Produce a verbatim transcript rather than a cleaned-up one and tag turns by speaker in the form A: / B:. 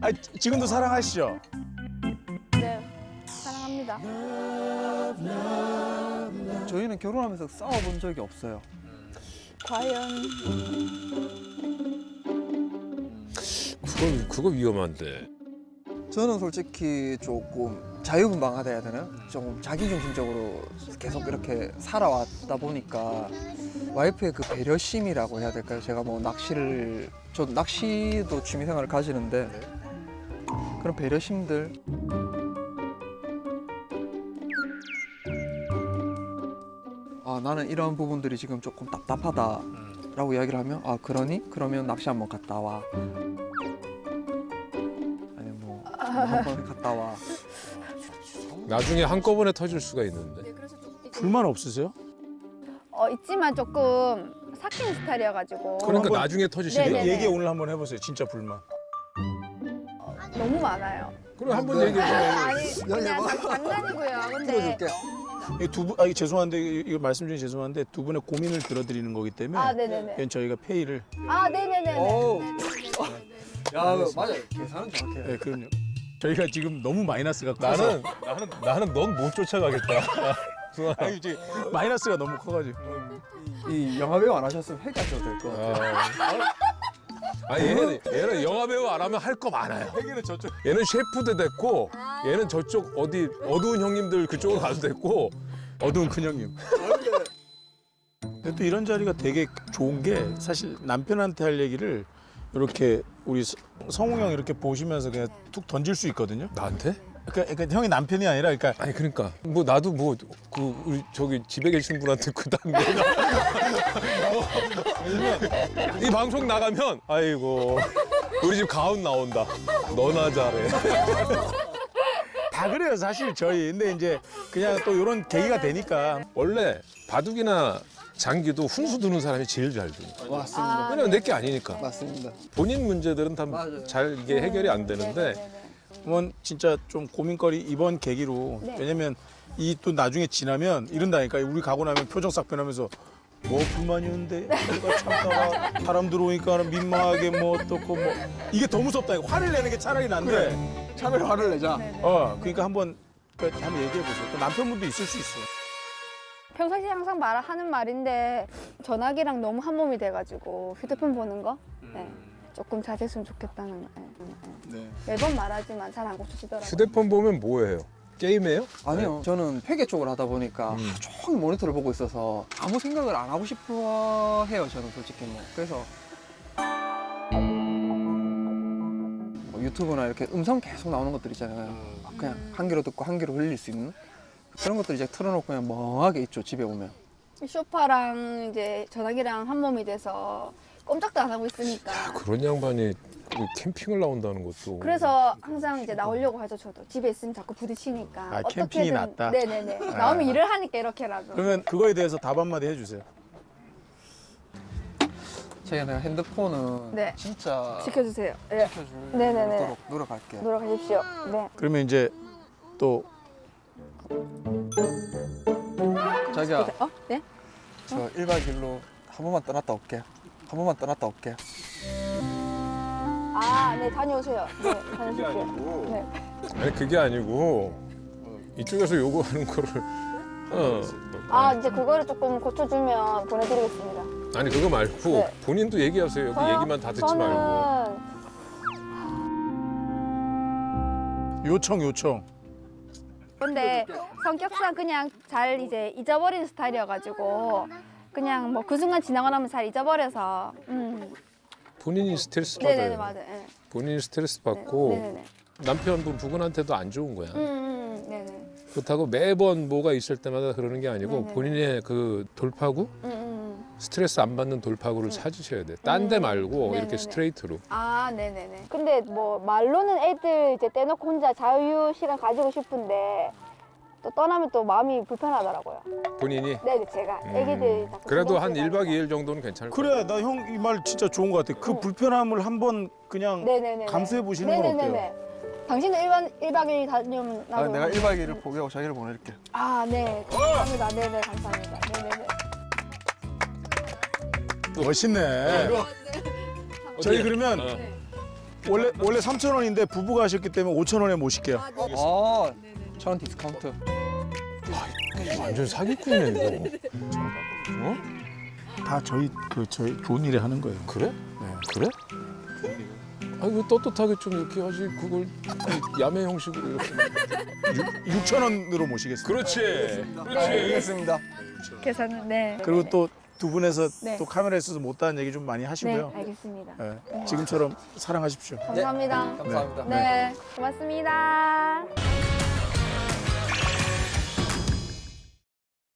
A: 아, 지금도 사랑하시죠?
B: 네, 사랑합니다.
C: 저희는 결혼하면서 싸워본 적이 없어요.
B: 과연
D: 그거 그거 위험한데.
C: 저는 솔직히 조금 자유분방하다 해야 되나? 조금 자기중심적으로 계속 이렇게 살아왔다 보니까 와이프의 그 배려심이라고 해야 될까요? 제가 뭐 낚시를 저 낚시도 취미생활을 가지는데 그런 배려심들 아 나는 이런 부분들이 지금 조금 답답하다라고 이야기를 하면 아 그러니? 그러면 낚시 한번 갔다 와 아니 뭐 한번 갔다 와
D: 나중에 한꺼번에 터질 수가 있는데.
A: 불만 없으세요?
B: 어, 있지만 조금 삭힌 스타일이어가지고
D: 그러니까
A: 한번-
D: 나중에 터지시는
B: 네네네.
D: 거예요.
A: 얘기 오늘 한번 해보세요. 진짜 불만.
B: 너무 많아요.
D: 그럼 한번
C: 네.
D: 얘기해 줘요.
B: 아니 그냥 장- 장난이고요. 근데
C: 들어줄게
A: 이 두 분, 아, 이거 죄송한데 이- 이거 말씀 중에 죄송한데 두 분의 고민을 들어드리는 거기 때문에
B: 아 네네네.
A: 이건 저희가 페이를.
B: 아 네네네.
C: 오. 야 맞아요 계산은 정확해요
A: 네, 그럼요. 저희가 지금 너무 마이너스가 커서
D: 나는 나는 나는 넌 못 쫓아가겠다.
A: 아니 이제 마이너스가 너무 커가지고.
C: 이 영화배우 안 하셨으면 회계하셔도 될 것 같아요
D: 아 얘는 얘는 영화 배우 안 하면 할 거 많아요.
A: 회계는 저쪽.
D: 얘는 셰프도 됐고, 얘는 저쪽 어디 어두운 형님들 그쪽으로 가도 됐고.
A: 어두운 큰형님. 근데 또 이런 자리가 되게 좋은 게 사실 남편한테 할 얘기를 이렇게 우리 서- 성우 형 이렇게 보시면서 그냥 툭 던질 수 있거든요.
D: 나한테?
A: 그러니까, 그러니까 형이 남편이 아니라 그러니까
D: 아니 그러니까 뭐 나도 뭐 그 우리 저기 집에 계신 분한테 그다음 내가 이 방송 나가면 아이고 우리 집 가훈 나온다. 너나 잘해.
A: 다 그래요 사실 저희. 근데 이제 그냥 또 이런 계기가 되니까.
D: 원래 바둑이나 장기도 훈수 두는 사람이 제일 잘 두는 거야.
C: 맞습니다
D: 왜냐면 내게 아니니까.
C: 맞습니다
D: 본인 문제들은 다
C: 맞아요.
D: 잘 이게 해결이 안 되는데
A: 그러면 진짜 좀 고민거리 이번 계기로.
B: 네.
A: 왜냐면 이 또 나중에 지나면 이런다니까. 우리 가고 나면 표정 싹 변하면서 뭐 불만이었는데 우리가 참다가 사람 들어오니까 민망하게 뭐 어떻고 뭐 이게 더 무섭다. 화를 내는 게 차라리 난데.
C: 차라리 화를 내자
A: 어 그러니까 한번 그 한번 얘기해 보세요. 또 남편분도 있을 수 있어요.
B: 평상시에 항상 말하는 말인데 전화기랑 너무 한 몸이 돼가지고 휴대폰 보는 거 네. 조금 자제했으면 좋겠다는 네.
A: 네.
B: 매번 말하지만 잘 안 고쳐지더라고요.
D: 휴대폰 보면 뭐해요? 게임해요?
C: 아니요 저는 회계 쪽을 하다 보니까 하루 종일 모니터를 보고 있어서 아무 생각을 안 하고 싶어 해요 저는 솔직히 뭐 그래서 뭐 유튜브나 이렇게 음성 계속 나오는 것들 있잖아요 그냥 한 귀로 듣고 한 귀로 흘릴 수 있는 그런 것들 이제 틀어놓고 그냥 멍하게 있죠 집에 오면
B: 쇼파랑 이제 전화기랑 한 몸이 돼서 꼼짝도 안 하고 있으니까.
D: 그런 양반이 그 캠핑을 나온다는 것도.
B: 그래서 항상 이제 나오려고 하죠 저도. 집에 있으면 자꾸 부딪히니까.
A: 아, 캠핑이 낫다?
B: 네네네. 나오면 일을 하니까 이렇게라도.
A: 그러면 그거에 대해서 답 한마디 해주세요.
C: 제가 내가 핸드폰은
B: 네.
C: 진짜
B: 지켜주세요. 네.
C: 지켜줄
B: 네네네.
C: 수 있도록 노력할게요
B: 노력하십시오. 네.
A: 그러면 이제 또
C: 자기야
B: 어? 네?
C: 저 일 박 이 일로 한 번만 떠났다 올게요 한 번만 떠났다 올게요
B: 아, 네 다녀오세요. 네, 다녀오십시오. 네.
D: 아니 그게 아니고 이쪽에서 요구하는 거를. 어.
B: 아, 이제 그거를 조금 고쳐주면 보내드리겠습니다.
D: 아니 그거 말고
B: 네.
D: 본인도 얘기하세요. 여기
B: 저요?
D: 얘기만 다 듣지
B: 저는
D: 말고.
A: 요청 요청.
B: 근데 성격상 그냥 잘 이제 잊어버리는 스타일이어가지고 그냥 뭐 그 순간 지나고 나면 잘 잊어버려서. 음.
D: 본인이 스트레스 받아요.
B: 네네네 맞아요. 네.
D: 본인이 스트레스
B: 네.
D: 받고
B: 네네네.
D: 남편분 부근한테도 안 좋은 거야.
B: 음, 음, 음, 네네.
D: 그렇다고 매번 뭐가 있을 때마다 그러는 게 아니고
B: 네네.
D: 본인의 그 돌파구,
B: 음, 음.
D: 스트레스 안 받는 돌파구를 찾으셔야 돼. 딴 데
B: 음.
D: 말고
B: 네네네.
D: 이렇게 스트레이트로.
B: 아, 네네네. 근데 뭐 말로는 애들 이제 떼놓고 혼자 자유 시간 가지고 싶은데 또 떠나면 또 마음이 불편하더라고요.
D: 본인이.
B: 네네 제가 애기들 자꾸
D: 그래도
B: 신경
D: 한
B: 쓰이다
D: 일 박 이
B: 보니까.
D: 일 정도는 괜찮을 거야.
A: 그래 나 형 이 말 진짜 좋은 것 같아. 그
B: 음.
A: 불편함을 한번 그냥
B: 네네네.
A: 감수해 보시는 건 어때요?
B: 당신도 일반 일 박 이 일 다녀면
C: 아,
B: 나도.
C: 내가 일 박 이 일을 포기하고 자기를 보낼게
B: 아, 네. 감사합니다. 네네 감사합니다. 네네네.
A: 멋있네. 저희 그러면
D: 어.
A: 원래 원래 삼천 원인데 부부가 하셨기 때문에 오천 원에 모실게요.
C: 아, 천 원 디스카운트.
D: 완전 사기꾼이네 이거. 어?
A: 다 저희 그 저희 좋은 일에 하는 거예요.
D: 그래?
A: 네.
D: 그래? 아니 왜 떳떳하게 좀 이렇게 하지 그걸 야매 형식으로 이렇게.
A: 육천 원으로 모시겠습니다.
D: 그렇지.
C: 네, 알겠습니다.
B: 계산은 네.
A: 그리고 또 두 분에서
B: 네.
A: 또 카메라에 있어서 못다한 얘기 좀 많이
B: 네,
A: 하시고요.
B: 알겠습니다.
A: 네, 지금처럼 사랑하십시오.
B: 감사합니다.
C: 감사합니다.
B: 네, 고맙습니다.